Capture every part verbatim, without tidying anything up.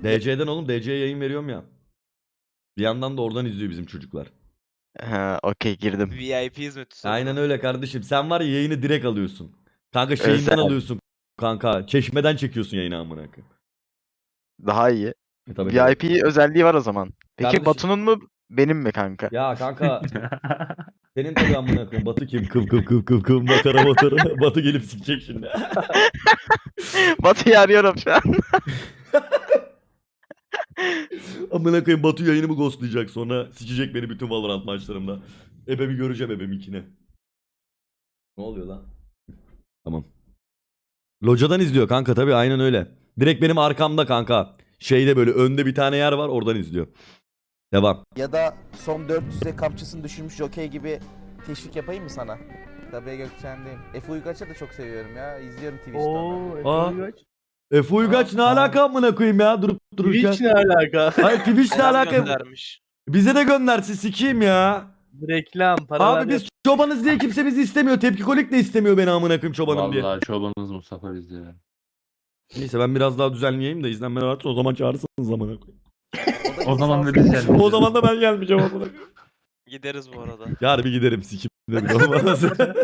D C'den oğlum, D C'ye yayın veriyorum ya. Bir yandan da oradan izliyor bizim çocuklar. Ha, okey girdim. V I P hizmeti. Aynen öyle kardeşim. Sen var ya, yayını direkt alıyorsun. Kanka şeyinden Özel. alıyorsun kanka. Çeşmeden çekiyorsun yayını amına koyayım. Daha iyi. E, tabii, tabii. V I P özelliği var o zaman. Peki Kardeşim- Batu'nun mu benim mi kanka? Ya kanka senin tabii amına koyayım. Batu kim? Kıv kıv kıv kıv kıv makara motoru. Batu gelip sikecek şimdi. Batu'yu arıyorum şu an. Amına koyayım, Batu yayınımı ghostlayacak, sonra sikecek beni bütün Valorant maçlarımda. Ebemi göreceğim, ebeminkine. Ne oluyor lan? Tamam. Locadan izliyor kanka, tabii aynen öyle. Direkt benim arkamda kanka. Şeyde böyle önde bir tane yer var, oradan izliyor. Devam. Ya da son dört yüze kapçısını düşürmüş Jockey gibi teşvik yapayım mı sana? Tabii Gökçen'deyim. Efe Uygaç'ı da çok seviyorum ya. İzliyorum Twitch'te onu. Oo, Efe Aa. Uygaç. Efe Uygaç ne Aa. alaka amına koyayım ya, durup dururken. Twitch ne alaka? Hayır, Twitch ne Selam alaka? göndermiş. Bize de göndersin, sikeyim ya. Reklam, paralar. Abi biz çobanız diye kimse bizi istemiyor. Tepkikolik de istemiyor beni amına koyayım çobanım diye. Vallahi çobanınız Mustafa bizde. Neyse ben biraz daha düzenleyeyim de izlenmeler artsın, o zaman çağırırsınız amına koyayım. da O zaman da lisanslı. biz geldik. O zaman da ben gelmeyeceğim amına koyayım. Gideriz bu arada. Yarın bir giderim sikim de bir olmaz.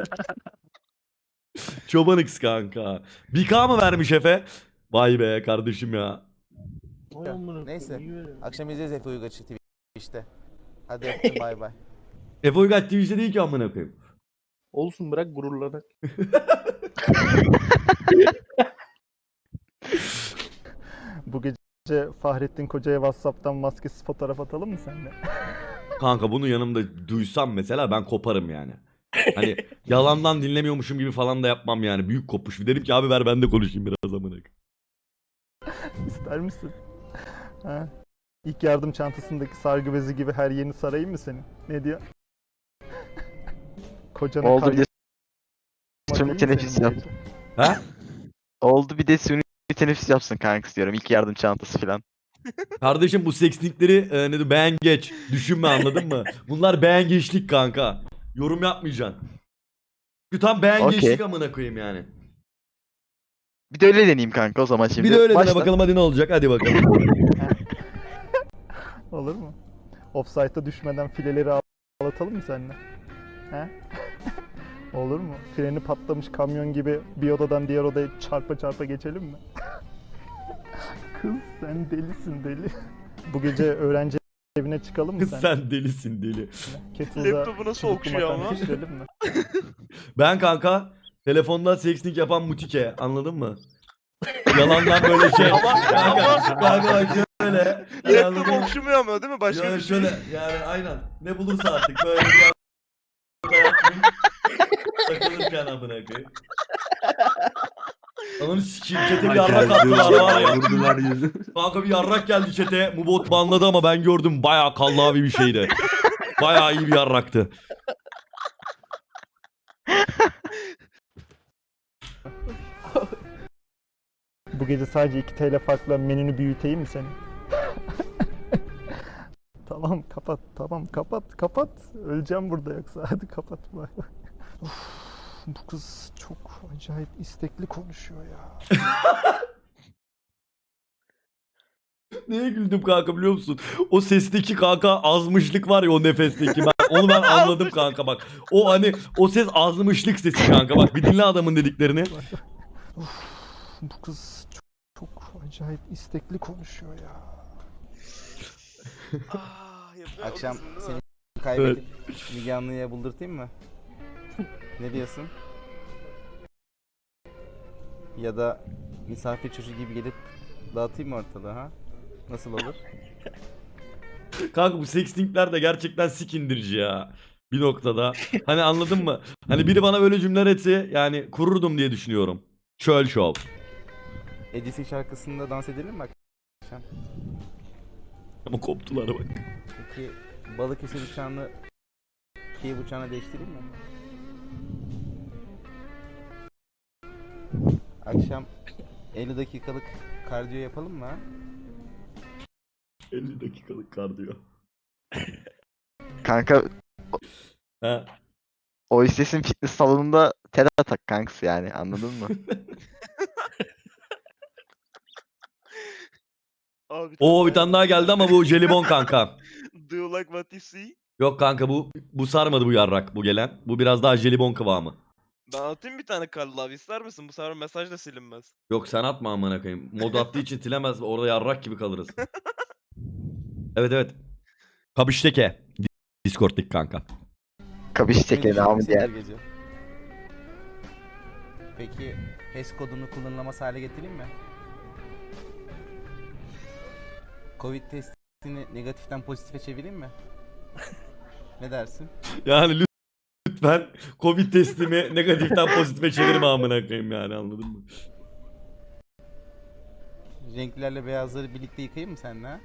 Çoban X kanka. bir K mı vermiş Efe? Vay be kardeşim ya. Vay amına koyayım, Neyse. iyi veriyor. Akşam izleyeceğiz Efe Uygaç'ı Twitch'te. Hadi öptüm bay bay. Efe Uygaç Twitch'te değil ki amına koyayım. Olsun, bırak gururlanak. Bu gece Fahrettin Koca'ya WhatsApp'tan maskesiz fotoğraf atalım mı seninle? Kanka bunu yanımda duysam mesela ben koparım yani. Hani yalandan dinlemiyormuşum gibi falan da yapmam yani. Büyük kopuş. Bir derim ki abi ver ben de konuşayım biraz amına koyayım. İster misin? Ha? İlk yardım çantasındaki sargı bezi gibi her yerini sarayım mı senin? Ne diyor? Kocana Oldu bir de kaymak suni değil mi teneffüs senin bu yap. gece? Ha? Oldu bir de suni teneffüs yapsın kanka diyorum. İlk yardım çantası falan. Kardeşim bu sekslikleri e, ne diyor, beğen geç. Düşünme, anladın mı? Bunlar beğen geçlik kanka. Yorum yapmayacaksın. Şu tam beğen Okey. geçlik amına koyayım yani. Bir de öyle deneyeyim kanka o zaman şimdi. Bir de öyle dene Başla. bakalım hadi ne olacak, hadi bakalım. Olur mu? Offside'a düşmeden fileleri ağlatalım mı seninle? He? Olur mu? Freni patlamış kamyon gibi bir odadan diğer odaya çarpa çarpa geçelim mi? Kız sen delisin deli. Bu gece öğrenci evine çıkalım mı Kız sen? sen delisin deli. Kettle'da Laptopu nasıl çubuklu okşuyor makarna ama? pişirelim mi? Ben kanka telefonda sekslik yapan mutike, anladın mı? Yalandan böyle şey. kanka, kanka bak şöyle. Laptop anladın mı? okşumuyor ama değil mi? Başka Yani bir şey. şöyle yani aynen. Ne bulursa artık böyle bir anda takılırken amına koyayım. Ananı sikeyim, çete bir yarrak attılar var ya. Vurdular yüzü. Kanka bir yarrak geldi çete. Mubot banladı ama ben gördüm, bayağı kallavi bir şeydi. Bayağı iyi bir yarraktı. Bu gece sadece iki T L farkla menünü büyüteyim mi senin? Tamam kapat, tamam kapat, kapat. Öleceğim burada yoksa. Hadi kapat. Bay bay. Uf, bu kız çok acayip istekli konuşuyor ya. Neye güldüm kanka biliyor musun? O sesteki kanka azmışlık var ya, o nefesteki. Ben, onu ben anladım kanka bak. O hani o ses azmışlık sesi kanka, bak bir dinle adamın dediklerini. Uf, bu kız çok, çok acayip istekli konuşuyor ya. Ah, yapıyor Akşam musun, değil seni mi? kaybedip Müge Anlı'ya buldurtayım mı? Ne diyorsun? Ya da misafir çocuğu gibi gelip dağıtayım mı ortalığı ha? Nasıl olur? Kanka bu sextingler de gerçekten sik indirici ya. Bir noktada. Hani anladın mı? Hani biri bana böyle cümleler etse yani kururdum diye düşünüyorum. Çöl şov. Edisi şarkısında dans edelim mi akşam? Ama koptular bak. Peki Balıkesir uçağını Kiev uçağına değiştireyim mi? Akşam elli dakikalık kardiyo yapalım mı ha? elli dakikalık kardiyo. Kanka Ha. o istesin fitness salonunda tel atak kanks yani anladın mı? Abi, Oo bir tane daha geldi ama bu jelibon kanka. Do you like what you see? Yok kanka bu bu sarmadı bu yarrak bu gelen. Bu biraz daha jelibon kıvamı. Ben atayım bir tane Karl abi, ister misin? Bu sefer mesaj da silinmez. Yok sen atma amına koyayım. Mod attığı için silemez. Orada yarrak gibi kalırız. Evet evet. Kabişteke. Discord'daki kanka. Kabiş çekeni devamı Düşündüm diğer. seni gece. Peki H E S kodunu kullanılamaz hale getireyim mi? Covid testini negatiften pozitife çevireyim mi? Ne dersin? Yani lütfen Covid testimi negatiften pozitife çevirme amına koyayım yani anladın mı? Renklerle beyazları birlikte yıkayayım mı seninle ha?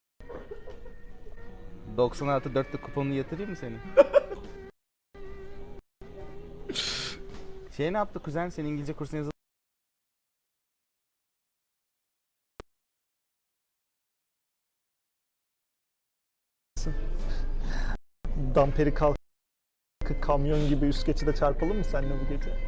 doksan artı dörtte kuponunu yatırayım mı senin? Şey ne yaptı kuzen? Senin İngilizce kursuna yazıldın. Damperi kalkıp kamyon gibi üst geçide çarpalım mı seninle bu gece?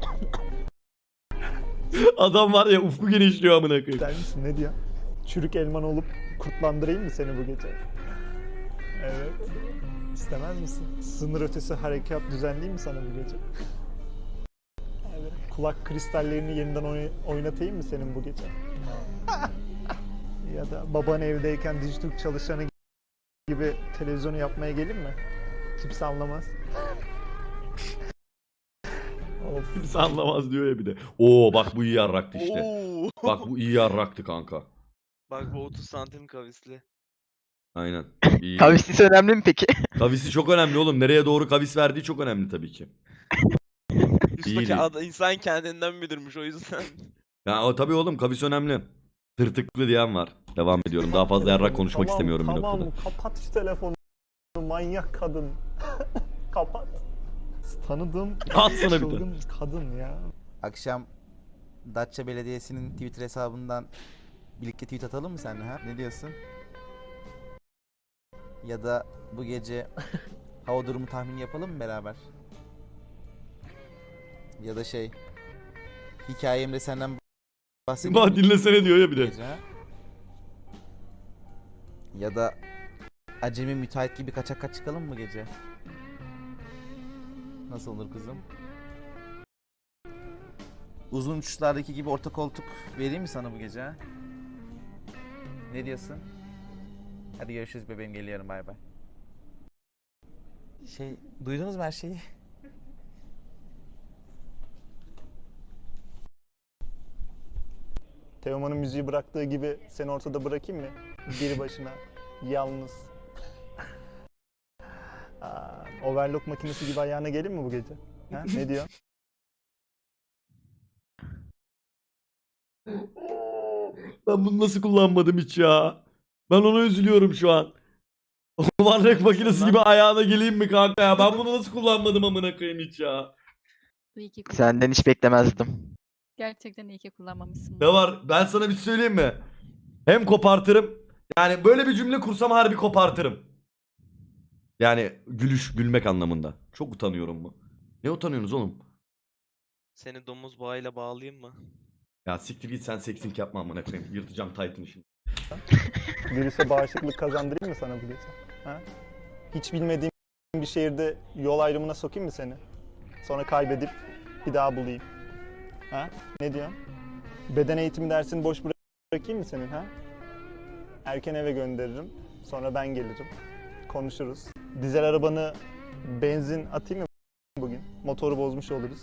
Adam var ya ufku genişliyor amına koyayım. Der misin? Ne diyor? Çürük elman olup kurtlandırayım mı seni bu gece? Evet. İstemez misin? Sınır ötesi harekat düzenleyeyim mi sana bu gece? Evet. Kulak kristallerini yeniden oy- oynatayım mı senin bu gece? Ya da baban evdeyken Dijitürk çalışanı gibi televizyonu yapmaya gelin mi? Kimse anlamaz. Of. Kimse anlamaz diyor ya bir de. Oo bak bu iyi yarraktı işte. Oo. Bak bu iyi yarraktı kanka. Bak bu otuz santim kavisli. Aynen. İyi. Kavislisi önemli mi peki? Kavisi çok önemli oğlum. Nereye doğru kavis verdiği çok önemli tabii ki. Üstteki İyiydi. ad- insan kendinden bilirmiş o yüzden. Ya o tabii oğlum kavis önemli. Tırtıklı diyen var. Devam ediyorum. Daha fazla yarrak konuşmak Tamam, istemiyorum bir tamam, noktada. kapat şu telefonu. Manyak kadın. Kapat. Tanıdığım Al sana bir tane. çılgın kadın ya. Akşam Datça Belediyesi'nin Twitter hesabından birlikte tweet atalım mı seninle ha? Ne diyorsun? Ya da bu gece hava durumu tahmini yapalım mı beraber? Ya da şey hikayemde senden bahsedeyim Bak mi dinlesene diyor ya bir bu de. gece ha? Ya da acemi müteahhit gibi kaçak kaç çıkalım mı gece? Nasıl olur kızım? Uzun uçuşlardaki gibi orta koltuk vereyim mi sana bu gece ha? Ne diyorsun? Hadi görüşürüz bebeğim, geliyorum, bay bay. Şey, duydunuz mu her şeyi? Teoman'ın müziği bıraktığı gibi seni ortada bırakayım mı? Bir başına. Yalnız. Aa, overlock makinesi gibi ayağına gelin mi bu gece? Ha? Ne diyor? Ben bunu nasıl kullanmadım hiç ya. Ben ona üzülüyorum şu an. Varlık makinesi gibi ayağına geleyim mi kanka ya? Ben bunu nasıl kullanmadım amına koyayım hiç ya. İyi ki kullan- Senden hiç beklemezdim. Gerçekten iyi ki kullanmamışsın. Ne var? Ben sana bir şey söyleyeyim mi? Hem kopartırım. Yani böyle bir cümle kursam harbi kopartırım. Yani gülüş, gülmek anlamında. Çok utanıyorum mu? Ne utanıyorsunuz oğlum? Seni domuz bağıyla bağlayayım mı? Ya siktir git sen seksink yapma amına koyayım. Yırtacağım Titan'ı şimdi. Virüse bağışıklık kazandırayım mı sana bu gece? Ha? Hiç bilmediğim bir şehirde yol ayrımına sokayım mı seni? Sonra kaybedip bir daha bulayım. Ha? Ne diyorsun? Beden eğitimi dersini boş bırak- bırakayım mı senin ha? Erken eve gönderirim. Sonra ben gelirim. Konuşuruz. Dizel arabanı benzin atayım mı bugün? Motoru bozmuş oluruz.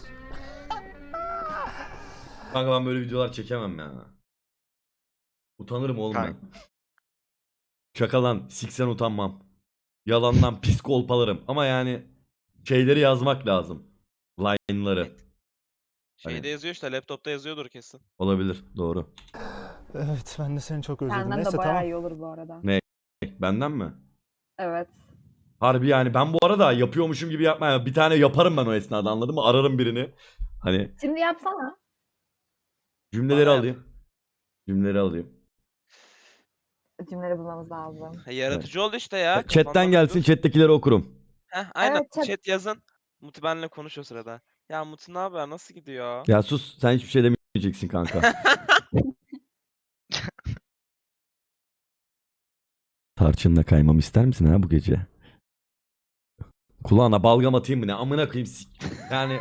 Kanka ben böyle videolar çekemem ya. Utanırım oğlum ben. Kanka. Şaka lan. Siksen utanmam. Yalandan pis kolpalarım. Ama yani şeyleri yazmak lazım. Line'ları. Şeyde Hani- yazıyor işte, laptopta yazıyordur kesin. Olabilir. Doğru. Evet, ben de seni çok özledim. Benden Neyse de bayağı tamam. iyi olur bu arada. Benden mi? Evet. Harbi yani ben bu arada yapıyormuşum gibi yapmaya bir tane yaparım ben o esnada anladın mı? Ararım birini. Hani Şimdi yapsana. cümleleri Bana yap. alayım. Cümleleri alayım. Cümleleri bulmamız lazım. Ha, yaratıcı oldu işte ya. Chat'ten kafandan gelsin, uydur. chat'tekileri okurum. Heh, aynen Evet, chat- chat yazın. Muti benimle konuş o sırada. Ya Muti ne haber, nasıl gidiyor? Ya sus sen hiçbir şey demeyeceksin kanka. Tarçınla kaymam ister misin ha bu gece? Kulağına balgam atayım mı ne? Amına koyayım. sik- Yani...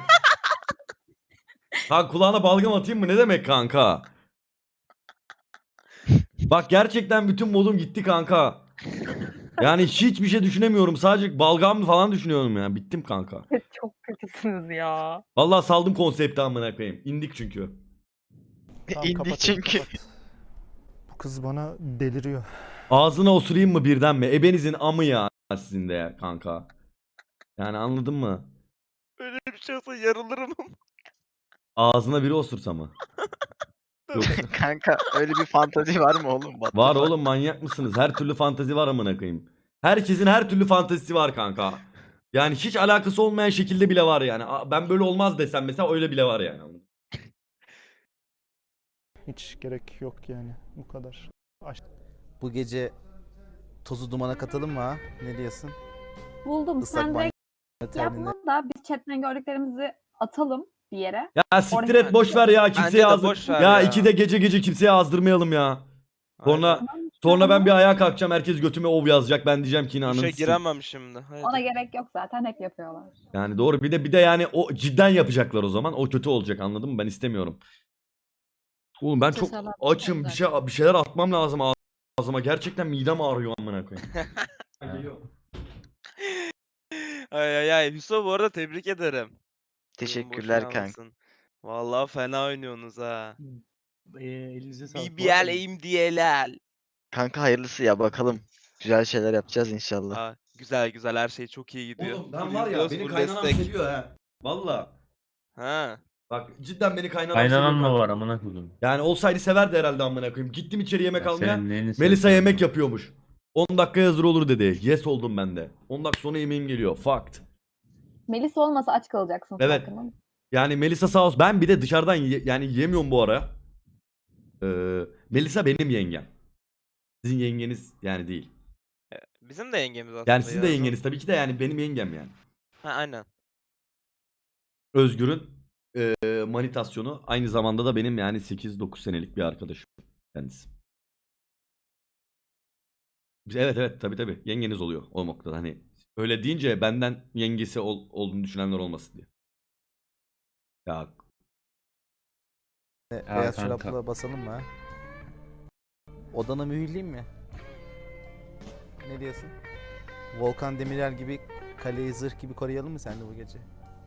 Ha kulağına balgam atayım mı ne demek kanka? Bak gerçekten bütün modum gitti kanka. Yani hiçbir şey düşünemiyorum. Sadece balgam falan düşünüyorum ya. Bittim kanka. Çok kötüsünüz ya. Vallahi saldım konsepti amına koyayım. İndik çünkü. Tamam, İndi kapat hadi, çünkü. kapat. Bu kız bana deliriyor. Ağzına osurayım mı birden mi? Ebenizin amı ya sizin de ya kanka. Yani anladın mı? Öyle bir şey olsa yarılırım. Ağzına biri osursa mı? Yoksa... Kanka öyle bir fantazi var mı oğlum? What the Var fuck? oğlum manyak mısınız? Her türlü fantezi var amına koyayım. Herkesin her türlü fantezisi var kanka. Yani hiç alakası olmayan şekilde bile var yani. Aa, ben böyle olmaz desem mesela öyle bile var yani. Hiç gerek yok yani. Bu kadar. Bu gece tozu dumana katalım mı ha? Ne diyorsun? Buldum. Islak Sen banyo direkt terliğine. yapma da biz chatten gördüklerimizi atalım bir yere. Ya siktir Oraya- et boş ver ya kimseye Bence de azdır. boş ver Ya ya. iki de gece gece kimseye azdırmayalım ya. Sonra Aynen. sonra ben bir ayağa kalkacağım herkes götüme ov yazacak. Ben diyeceğim ki yine ananı Duşa sikeyim. giremem şimdi. Haydi. Ona gerek yok zaten, hep yapıyorlar. Yani doğru bir de bir de yani o cidden yapacaklar o zaman. O kötü olacak anladın mı? Ben istemiyorum. Oğlum ben çok Cesaret açım. Bir şey bir şeyler atmam lazım ağzıma. Gerçekten midem ağrıyor amına koyayım. Geliyor. Ay ay ay. Hüso bu arada tebrik ederim. Teşekkürler Boş kanka. kalmasın. Vallahi fena oynuyorsunuz ha. Ee, elinize sağlık. B B L aim D L L. Kanka hayırlısı ya bakalım. Güzel şeyler yapacağız inşallah. Aa, güzel güzel her şey çok iyi gidiyor. Oğlum ben Full var ya izliyoruz, beni full kaynanam destek. seviyor ha. Valla. Ha. Bak cidden beni kaynanam Kaynanan seviyor. mı kanka. var amına koydum? Yani olsaydı severdi herhalde amına koyayım. Gittim içeri yemek Ya almaya. senin neyini Melisa seviyorum yemek ya? yapıyormuş. on dakika hazır olur dedi. Yes oldum ben de. on dakika sonra yemeğim geliyor. Fact. Melis olmasa aç kalacaksın. Evet. farkında mısın? Yani Melisa sağ olsun. Ben bir de dışarıdan ye- yani yemiyorum bu ara. Ee, Melisa benim yengem. Sizin yengeniz yani değil. Bizim de yengemiz aslında. Yani sizin de ya. yengeniz tabii ki de yani benim yengem yani. Ha aynen. Özgür'ün e, manitasyonu aynı zamanda da benim yani sekiz dokuz senelik bir arkadaşım kendisi. Biz- Evet evet tabii tabii yengeniz oluyor o noktada hani öyle deyince benden yengesi ol- olduğunu düşünenler olmasın diye. Ya E, Ya Beyaz kanka. çorapla basalım mı ha? Odana mühürleyeyim mi? Ne diyorsun? Volkan Demirel gibi kaleyi zırh gibi koruyalım mı sen de bu gece?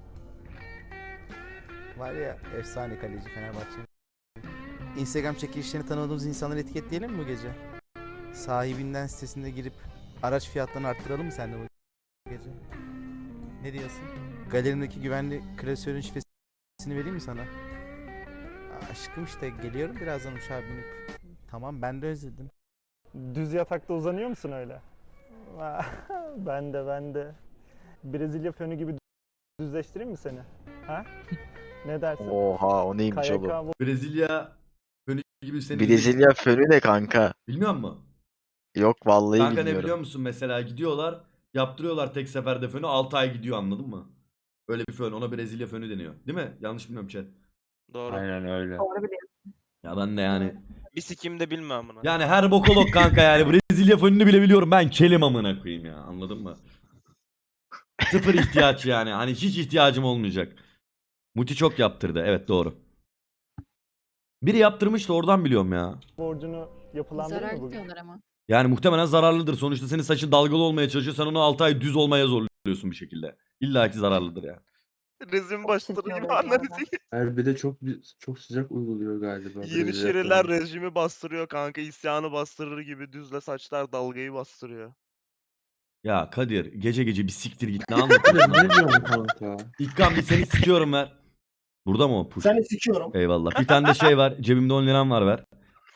Var ya efsane kaleci Fenerbahçe. Instagram çekilişlerini tanımadığımız insanları etiketleyelim mi bu gece? Sahibinden sitesinde girip araç fiyatlarını arttıralım mı sen de bu gece? Ne diyorsun? Galerimdeki güvenli klasörün şifresini vereyim mi sana? Aşkım işte geliyorum birazdan uçağa binip. Tamam ben de özledim. Düz yatakta uzanıyor musun öyle? Ben de ben de. Brezilya fönü gibi düzleştireyim mi seni? Ha? Ne dersin? Oha o neymiş K Y oğlum? K Brezilya fönü gibi seni Brezilya fönü ne kanka? bilmiyor musun? Yok vallahi Kanka ne bilmiyorum. biliyor musun mesela gidiyorlar yaptırıyorlar tek seferde fönü altı ay gidiyor anladın mı? Öyle bir fön ona Brezilya fönü deniyor değil mi? Yanlış bilmiyorum chat. Doğru. Aynen öyle. Doğru biliyorsun. Ya ben de yani Bir sikim de bilmem bunu. yani her bokolog kanka yani Brezilya fönünü bile biliyorum ben kelim amına koyayım ya anladın mı? Sıfır ihtiyaç yani hani hiç ihtiyacım olmayacak. Muti çok yaptırdı evet doğru. Biri yaptırmıştı oradan biliyorum ya. borcunu yapılandırır mı Zarar bugün? diyorlar ama. Yani muhtemelen zararlıdır. Sonuçta senin saçın dalgalı olmaya çalışıyor. Sen onu altı ay düz olmaya zorluyorsun bir şekilde. İlla ki zararlıdır yani. Rejim Çok bastırıyor çirkin anladın oluyor mı? Her bir de çok bir- çok sıcak uyguluyor galiba. Yeniçeriler rejimi bastırıyor kanka. İsyanı bastırır gibi düzle saçlar dalgayı bastırıyor. Ya Kadir gece gece bir siktir git ne anlatıyorsun? Ne lan? diyorsun kanka? İlkan bir seni sikiyorum ver. Burada mı o push? Seni sikiyorum. Eyvallah. Bir tane de şey var. Cebimde on liram var ver.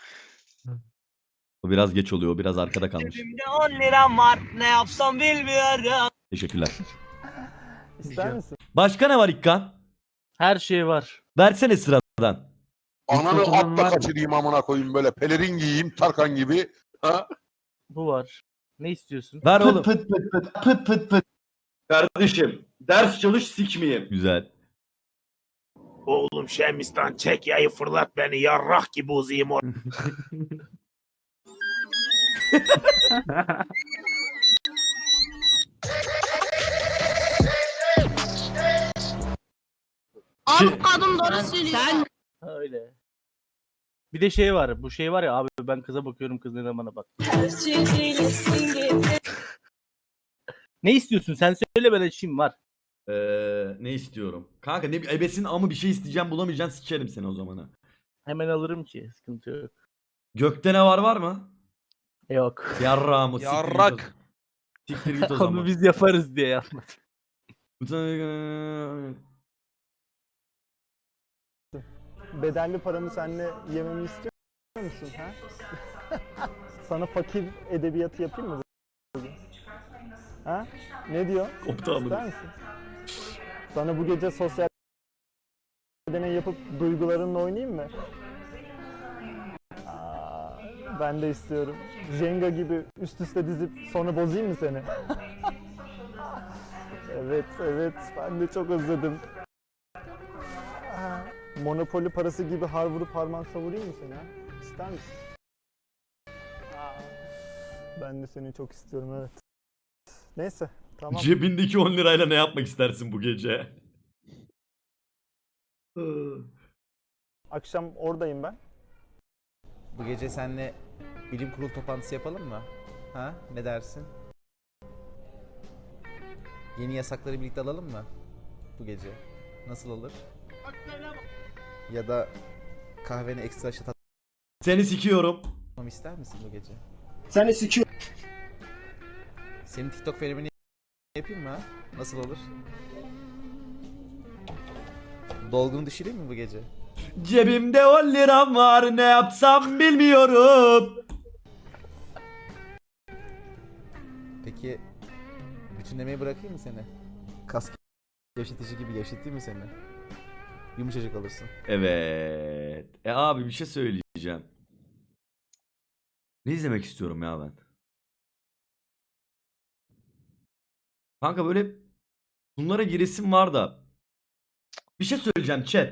O biraz geç oluyor. O biraz arkada kalmış. on liram var. Ne yapsam bilmiyorum. Teşekkürler. İster misin? Başka ne var İlkan? Her şey var. Versene sıradan. Ananı Fotoğrafın var atla mı? kaçırayım amına koyayım böyle pelerin giyeyim Tarkan gibi. Ha? Bu var. Ne istiyorsun? Ver oğlum. pıt pıt pıt pıt pıt pıt. Kardeşim ders çalış sikmeyeyim. Güzel. Oğlum Şemistan çek yayı fırlat beni yarrak gibi uzayım or. Abi kadın doğru söylüyor. Öyle. Bir de şey var. Bu şey var ya abi, ben kıza bakıyorum, kız neden bana bak. Ne istiyorsun? Sen söyle, ben açayım, var. Ee, ne istiyorum? Kanka ne ebesin ama bir şey isteyeceğim bulamayacaksın sikerim seni o zamana. Hemen alırım ki. Sıkıntı yok. Gökte ne var var mı? Yok. Yarrağımı siktir git o- Yarrak. Siktir git o Onu zaman. biz yaparız diye yapmadım. Bedelli paramı seninle yememi istiyor musun? Ha? Sana fakir edebiyatı yapayım mı bugün? Ha? Ne diyor? Koptu amına. İster misin? Sana bu gece sosyal deney yapıp duygularınla oynayayım mı? Aa, ben de istiyorum. Jenga gibi üst üste dizip sonra bozayım mı seni? Evet, evet. Ben de çok özledim. Aa, Monopoly parası gibi har vurup harman savurayım mı seni? Ha? İster misin? Aa, ben de seni çok istiyorum, evet. Neyse, tamam. Cebindeki on lirayla ne yapmak istersin bu gece? Akşam oradayım ben. Bu gece seninle bilim kurulu toplantısı yapalım mı? Ha? Ne dersin? Yeni yasakları birlikte alalım mı? Bu gece. Nasıl olur? Ya da kahveni ekstra şat Seni sikiyorum. atmamı ister misin bu gece? Seni sikiyor. Senin TikTok fenomeni yapayım mı ha? Nasıl olur? Dolgunu düşüreyim mi bu gece? Cebimde on liram var ne yapsam bilmiyorum. Peki bütünlemeyi bırakayım mı seni? Kas gevşetici gibi gevşeteyim mi seni? Yumuşacık olursun. Evet. E abi bir şey söyleyeceğim. Ne izlemek istiyorum ya ben? Kanka böyle bunlara giresim var da. Bir şey söyleyeceğim chat.